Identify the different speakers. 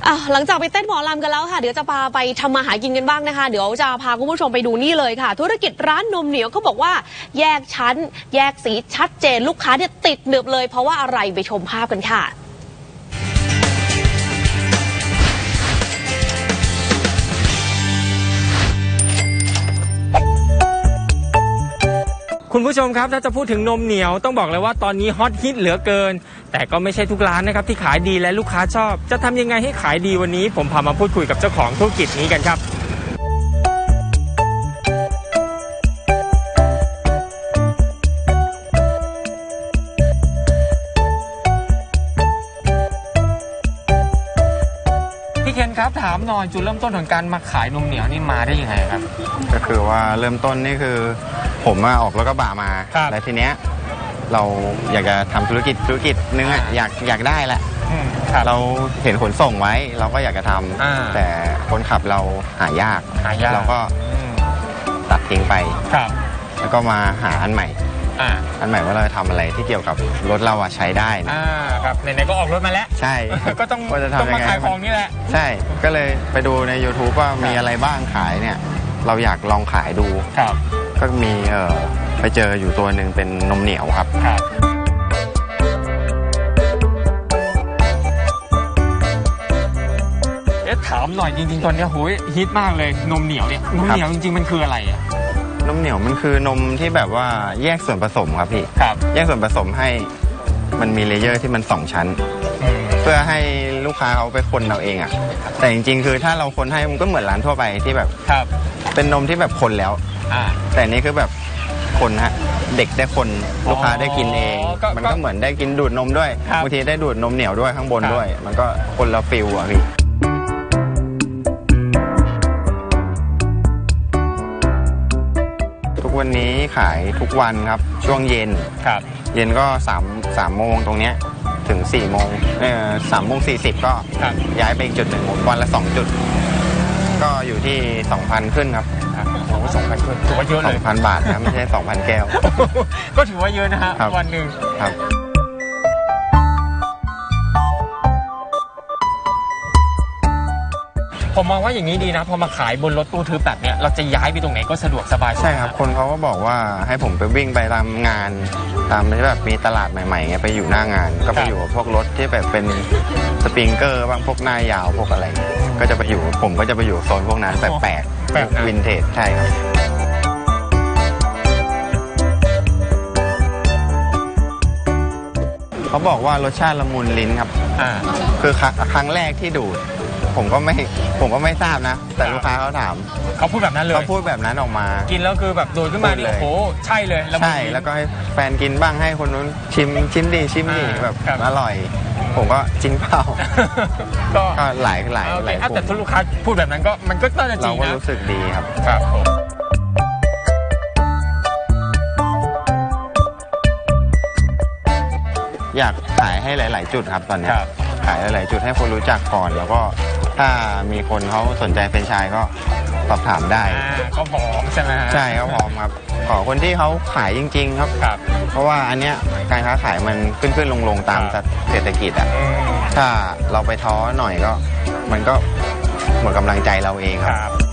Speaker 1: หลังจากไปเต้นหมอลำกันแล้วค่ะเดี๋ยวจะพาไปทำมาหากินกันบ้างนะคะเดี๋ยวจะพาคุณผู้ชมไปดูนี่เลยค่ะธุรกิจร้านนมเหนียวเขาบอกว่าแยกชั้นแยกสีชัดเจนลูกค้าเนี่ยติดหนึบเลยเพราะว่าอะไรไปชมภาพกันค่ะ
Speaker 2: คุณผู้ชมครับถ้าจะพูดถึงนมเหนียวต้องบอกเลยว่าตอนนี้ฮอตฮิตเหลือเกินแต่ก็ไม่ใช่ทุกร้านนะครับที่ขายดีและลูกค้าชอบจะทำยังไงให้ขายดีวันนี้ผมพามาพูดคุยกับเจ้าของธุรกิจนี้กันครับพี่เคนครับถามหน่อยจุดเริ่มต้นของการมาขายนมเหนียวนี่มาได้ยังไงครับ
Speaker 3: ก็คือว่าเริ่มต้นนี่คือผมออกรถกระบะมาแล้วทีเนี้ยเราอยากจะทำธุรกิจนึงอยากได้แหละเราเห็นขนส่งไว้เราก็อยากจะทำแต่คนขับเราหายากเราก็ตัดทิ้งไปแล้วก็มาหาอันใหม่ว่าเราจะทำอะไรที่เกี่ยวกับรถเราใช้ได้
Speaker 2: ครับไหนๆก็ออกรถมาแล้ว
Speaker 3: ใช่
Speaker 2: ก็ต้องมาขายของนี่แหละ
Speaker 3: ใช่ก็เลยไปดูใน YouTube ว่ามีอะไรบ้างขายเนี่ยเราอยากลองขายดูก็มีไปเจออยู่ตัวหนึ่งเป็นนมเหนียวครับ
Speaker 2: ถามหน่อยจริงๆตอนนี้โหยฮิตมากเลยนมเหนียวเนี่ยนมเหนียวจริงๆมันคืออะไรอ่ะ
Speaker 3: นมเหนียวมันคือนมที่แบบว่าแยกส่วนผสมครับพี่แยกส่วนผสมให้มันมีเลเยอร์ที่มัน2ชั้นเพื่อให้ลูกค้าเขาไปคนเราเองอ่ะแต่จริงๆคือถ้าเราคนให้มันก็เหมือนร้านทั่วไปที่แบบเป็นนมที่แบบคนแล้วแต่นี้คือแบบคนฮะเด็กได้คนลูกค้าได้กินเองมันก็เหมือนได้กินดูดนมด้วยบางทีได้ดูดนมเหนียวด้วยข้างบนด้วยมันก็คนละฟิลอ่ะพี่ทุกวันนี้ขายทุกวันครับช่วงเย็นเย็นก็3 โมงตรงเนี้ยถึง4 โมง3:40ก็ย้ายไปอีกจุดหนึ่งวันละ2 จุดก็อยู่ที่ 2,000 ขึ้นครับ
Speaker 2: โอ้ 2,000 ขึ้นถือว่าเยอะเลย
Speaker 3: 2,000 บาทนะไม่ใช่ 2,000 แก้ว
Speaker 2: ก็ถือว่าเยอะนะฮะวันหนึ่งครับผมมองว่าอย่างนี้ดีนะพอมาขายบนรถตู้ทึบแบบเนี้ยเราจะย้ายไปตรงไหนก็สะดวกสบาย
Speaker 3: ใช่ครับคนเขาก็บอกว่าให้ผมไปวิ่งไปตามงานตามที่แบบมีตลาดใหม่ๆไงไปอยู่หน้างานก็ไปอยู่กับพวกรถที่แบบเป็นสปริงเกอร์บ้างพวกหน้ายาวพวกอะไรก็จะไปอยู่ผมก็จะไปอยู่โซนพวกนั้นแปลกวินเทจใช่ครับเขาบอกว่ารสชาติละมุนลิ้นครับคือครั้งแรกที่ดูดผมก็ไม่ทราบนะแต่ลูกค้าเขาถาม
Speaker 2: เขาพูดแบบนั้นเลย
Speaker 3: เขาพูดแบบนั้นออกมา
Speaker 2: กินแล้วคือแบบโดดขึ้นมานี่โอ้โหใช่เลย
Speaker 3: ใช่แล้วก็ให้แฟนกินบ้างให้คนนู้นชิมดีแบบอร่อยผมก็จริงเปล่าก็หลาย
Speaker 2: แต่ทุกลูกค้าพูดแบบนั้นก็มันก็น่าจะจริงนะ
Speaker 3: เราก็รู้สึกดีครับอยากขายให้หลายๆจุดครับตอนนี้ขายหลายๆจุดให้คนรู้จักก่อนแล้วก็ถ้ามีคนเขาสนใจเป็นไชส์ก็สอบถามได้
Speaker 2: ก็พร้อมใช่ไหม
Speaker 3: ใช่เขาพร้อมครับขอคนที่เขาขายจริงๆครับเพราะว่าอันเนี้ยการค้าขายมันขึ้นลงตามเศรษฐกิจอ่ะถ้าเราไปท้อหน่อยก็มันก็หมดกำลังใจเราเองครับ